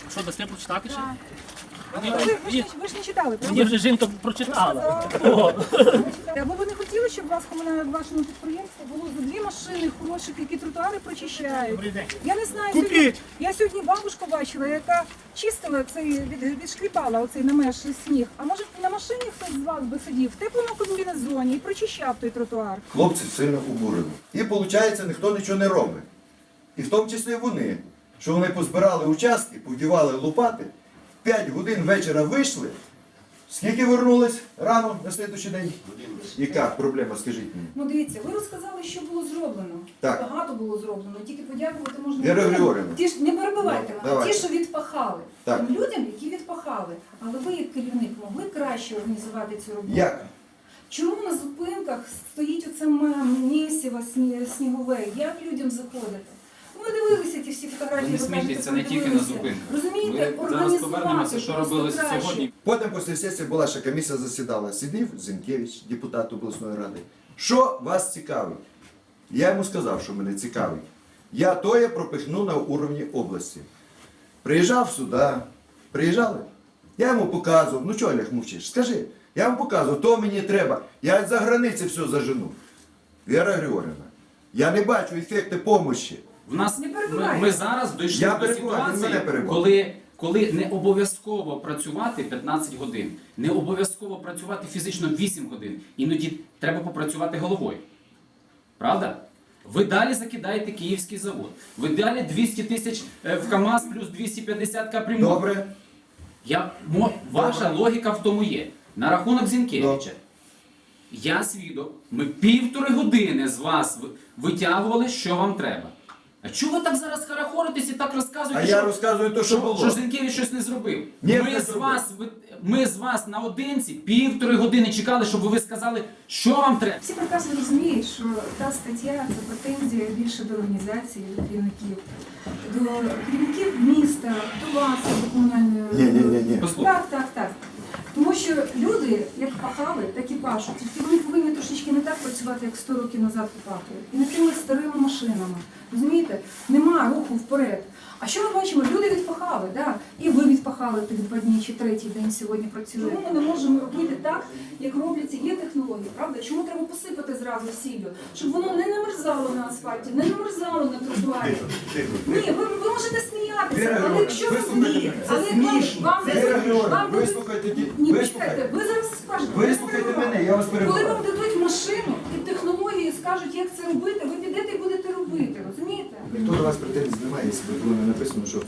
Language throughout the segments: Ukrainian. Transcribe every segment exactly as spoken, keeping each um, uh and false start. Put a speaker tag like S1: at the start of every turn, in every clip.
S1: Що, дасте прочитати ще?
S2: Ви, ви, ж, не- ви ж не читали,
S1: Мені
S2: правда?
S1: вже жінка прочитала.
S2: Або ви не хотіли, щоб у вас комунальне в вашому підприємстві було за дві машини хороших, які тротуари прочищають? Я не знаю, сьогодні, я сьогодні бабушку бачила, яка чистила цей, від, відшкріпала оцей намеш сніг. А може на машині хтось з вас би сидів в теплому комбінезоні і прочищав той тротуар?
S3: Хлопці сильно обурені. І виходить, ніхто нічого не робить. І в тому числі вони, що вони позбирали участки, повдівали лопати, п'ять годин вечора вийшли. Скільки вернулись рано на слідуючий день? Яка проблема, скажіть мені?
S2: Ну дивіться, ви розказали, що було зроблено.
S3: Так.
S2: Багато було зроблено. Тільки подякувати можна
S3: Віра
S2: людям.
S3: Григорівна.
S2: Ті ж не перебивайте
S3: Ну,
S2: мене,
S3: давайте.
S2: ті, що відпахали.
S3: Так.
S2: Тим людям, які відпахали. Але ви, як керівник, могли краще організувати цю роботу.
S3: Як?
S2: Чому на зупинках стоїть оце м- місиво сні- снігове? Як людям заходити? Ми дивилися ті всі фотографії.
S4: Ви не
S2: ви кажете,
S4: смійтеся, не тільки на
S2: подивилися.
S4: зупинках.
S2: Розумієте,
S4: Ми зараз
S2: організувати
S4: повернемося, що
S2: просто
S4: робилось
S2: краще.
S4: сьогодні.
S3: Потім після сесії була ще комісія засідала. Сидів Зінкевич, депутат обласної ради. Що вас цікавить? Я йому сказав, що мене цікавить. Я тоє пропихну на уровні області. Приїжджав сюди, приїжджали. Я йому показував, ну чого, Олег, мовчиш? Скажи, я йому показував, то мені треба. Я за границі все зажену. Віра Григорівна, я не бачу ефекту допомоги.
S4: В нас
S2: Не
S4: ми,
S2: перебивайте.
S4: ми зараз дійшли
S3: Я
S4: до
S3: перебиваю, він
S4: ситуації,
S3: мене перебиває.
S4: коли, коли не обов'язково працювати п'ятнадцять годин, не обов'язково працювати фізично вісім годин. Іноді треба попрацювати головою. Правда? Ви далі закидаєте Київський завод. Ви далі двісті тисяч е, в КАМАЗ плюс двісті п'ятдесят капремонт.
S3: Добре?
S4: Я, мо, ваша логіка в тому є. На рахунок Зінкевича. Я свідок, ми півтори години з вас ви- витягували, що вам треба. А чого ви так зараз харахоритесь і так розказуєте,
S3: А
S4: що,
S3: я розказую те, що було.
S4: що Зінкевич щось не зробив?
S3: Ні,
S4: ми,
S3: не
S4: з
S3: зробив.
S4: вас, ви- ми з вас наодинці півтори години чекали, щоб ви сказали, що вам треба.
S2: Всі прекрасно розуміють, що та стаття – це претензія більше до організації, до керівників, до керівників міста, до вас, до комунальної...
S3: Ні, ні, ні, ні.
S4: Послухай.
S2: Так, так, так. Тому що люди, як пахали, так і пашуть. Тільки вони повинні трошечки не так працювати, як сто років назад пахали. І не тими старими машинами. Розумієте? Нема руху вперед. А що ми бачимо? Люди відпахали, да? І ви відпахали тих два дні чи третій день сьогодні працює. Чому ми не можемо робити так, як робляться? Є технології, правда? Чому треба посипати зразу сіллю? Щоб воно не намерзало на асфальті, не намерзало на тротуарі. Ні, ви, ви можете
S3: Віра
S2: сміятися, але
S3: Григорівна,
S2: якщо ви
S3: вислухайте
S2: ні,
S3: мене.
S2: але
S3: Це
S2: вам,
S3: смішно.
S2: вам,
S3: Віра Григорівна,
S2: вам дадуть-
S3: вислухайте, ті-
S2: ні,
S3: вислухайте.
S2: почекайте, ви зараз скажете.
S3: Вислухайте
S2: ви
S3: мене, я вас
S2: Коли
S3: перебиваю.
S2: вам дадуть машину і технології скажуть, як це робити, ви підете і будете робити, розумієте?
S3: Ніхто до вас претензій немає, якщо було не написано, що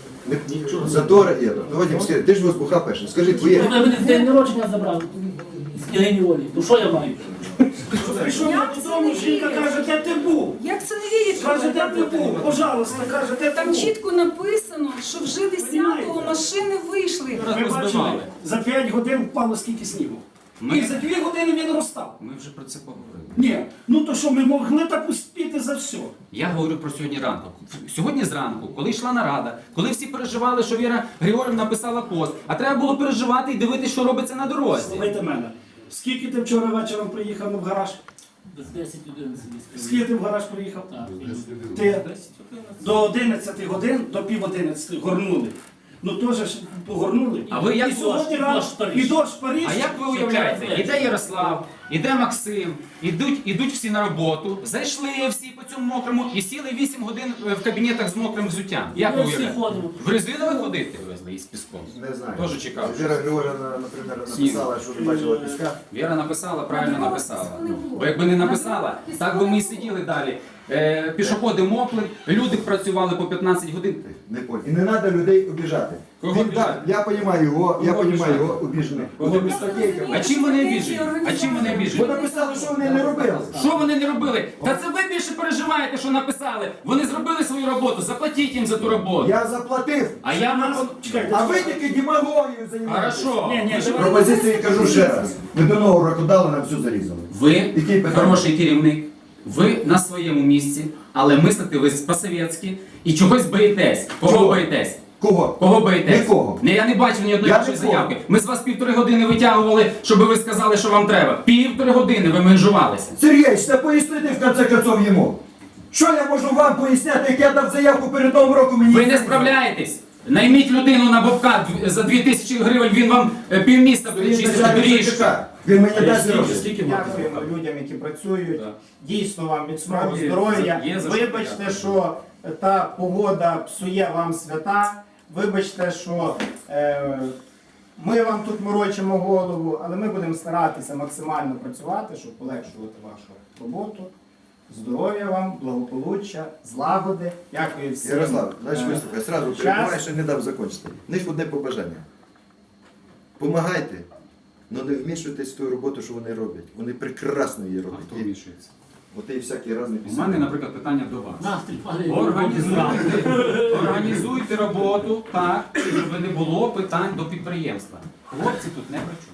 S3: не... затори є. Ну, Вадим, скажи, ти ж возбуха перший. Скажи, твоє.
S1: Ви мене в день народження забрали з княгині Олі. То що я маю?
S5: Прийшов
S2: Як це
S5: додому,
S2: не
S5: жінка
S2: вірю?
S5: каже, де ти був?
S2: Як це не вірять?
S5: Каже, де ти був? Пожалуйста, каже, де ти
S2: Там
S5: був?
S2: чітко написано, що вже десятого машини вийшли.
S5: Ви бачили,
S4: Розбивали.
S5: за п'ять годин впало скільки снігу.
S4: Ми-
S5: І за дві години він розстав.
S4: Ми вже про це поговорили.
S5: Ні, ну то що, ми могли так успіти за все?
S4: Я говорю про сьогодні ранку. Сьогодні зранку, коли йшла нарада, коли всі переживали, що Віра Григорівна написала пост, а треба було переживати і дивитися, що робиться на дорозі.
S5: Слухайте мене. Скільки ти вчора вечором приїхав в гараж?
S1: Без десять одинадцять.
S5: Скільки ти в гараж приїхав?
S1: Так.
S5: Ти до одинадцяти годин, до пів одинадцяти горнули. Ну теж ж погорнули.
S4: А ви як
S5: і сьогодні
S1: дощ,
S5: рано,
S1: дощ Париж.
S5: і дощ Париж.
S4: А як ви уявляєте, іде Ярослав, іде Максим, ідуть, ідуть всі на роботу, зайшли всі по цьому мокрому і сіли вісім годин в кабінетах з мокрим взуттям. Як ви
S1: Ми всі
S4: уявляєте?
S1: ходимо.
S4: В резинові ходити везли із піском?
S3: Не знаю.
S4: Тоже чекав.
S3: Віра Григорівна, наприклад,
S4: Сніг.
S3: написала, що не бачила піска.
S4: Віра написала, правильно
S2: На
S4: написала.
S2: дорозі не було.
S4: Бо якби не написала,
S2: На дорозі
S4: так би ми і
S2: не
S4: сиділи далі. Е, пішоходи мокли, люди працювали по п'ятнадцять годин.
S3: Не понял. І не треба людей обіжати.
S4: Кого
S3: Він,
S4: обіжати?
S3: так, я розумію його, я
S4: Кого
S3: розумію
S4: обіжати?
S3: його обіжений.
S4: Кого
S3: Вони
S4: обіжати?
S3: статейками.
S4: А чим вони обіжені? А чим вони
S3: Бо
S4: обіжені?
S3: написали, що вони не робили.
S4: Що вони не робили? Та це ви більше переживаєте, що написали. Вони зробили свою роботу, заплатіть їм за ту роботу.
S3: Я заплатив,
S4: А я
S5: Нас-
S4: вам...
S5: Чекайте,
S3: а ви тільки демагогією займаєтеся.
S4: Хорошо.
S5: Ні, ні,
S4: Ви ж-
S5: давай.
S3: Пропозиції кажу ще раз. Ви до нового року дали, нам все зарізали.
S4: Ви
S3: Які питання?
S4: хороший керівник, ви на своєму місці, але мислите ви по-совєтськи і чогось боїтесь. Кого
S3: Чого?
S4: боїтесь?
S3: Кого?
S4: Кого боїтесь?
S3: Нікого.
S4: Не, я не бачив ні одної
S3: Я
S4: вашої
S3: нікого.
S4: заявки. Ми з вас півтори години витягували, щоб ви сказали, що вам треба. Півтори години ви менжувалися.
S3: Сергій, та пояснити в конце концов йому. Що я можу вам поясняти, як я дав заявку перед Новим роком? Мені
S4: Ви не справляєтесь. Найміть людину на Бобка дв- за дві тисячі гривень, він вам е, півміста буде чистити доріжки.
S3: Він мені
S1: А
S3: дасть
S1: скільки,
S3: гроші.
S1: скільки можна
S6: Дякуємо
S1: заплатити?
S6: людям, які працюють.
S4: Так.
S6: Дійсно вам міцного
S4: Справді,
S6: здоров'я.
S4: є за що
S6: Вибачте,
S4: подякувати.
S6: що та погода псує вам свята. Вибачте, що е, ми вам тут морочимо голову, але ми будемо старатися максимально працювати, щоб полегшувати вашу роботу. Здоров'я вам, благополуччя, злагоди. Дякую всім.
S3: Ярослав, знаєш,
S6: Е,
S3: виступ, я сразу
S6: час.
S3: перебуваю, що не дав закінчити. В них одне побажання. Помагайте, але не вмішуйтесь в ту роботу, що вони роблять. Вони прекрасно її
S4: А хто
S3: роблять.
S4: вмішується?
S3: От і всякі різні
S4: У мене, наприклад, питання до вас.
S1: Настрій падає.
S4: Організуйте, організуйте роботу так, щоб не було питань до підприємства. Хлопці тут не при чому.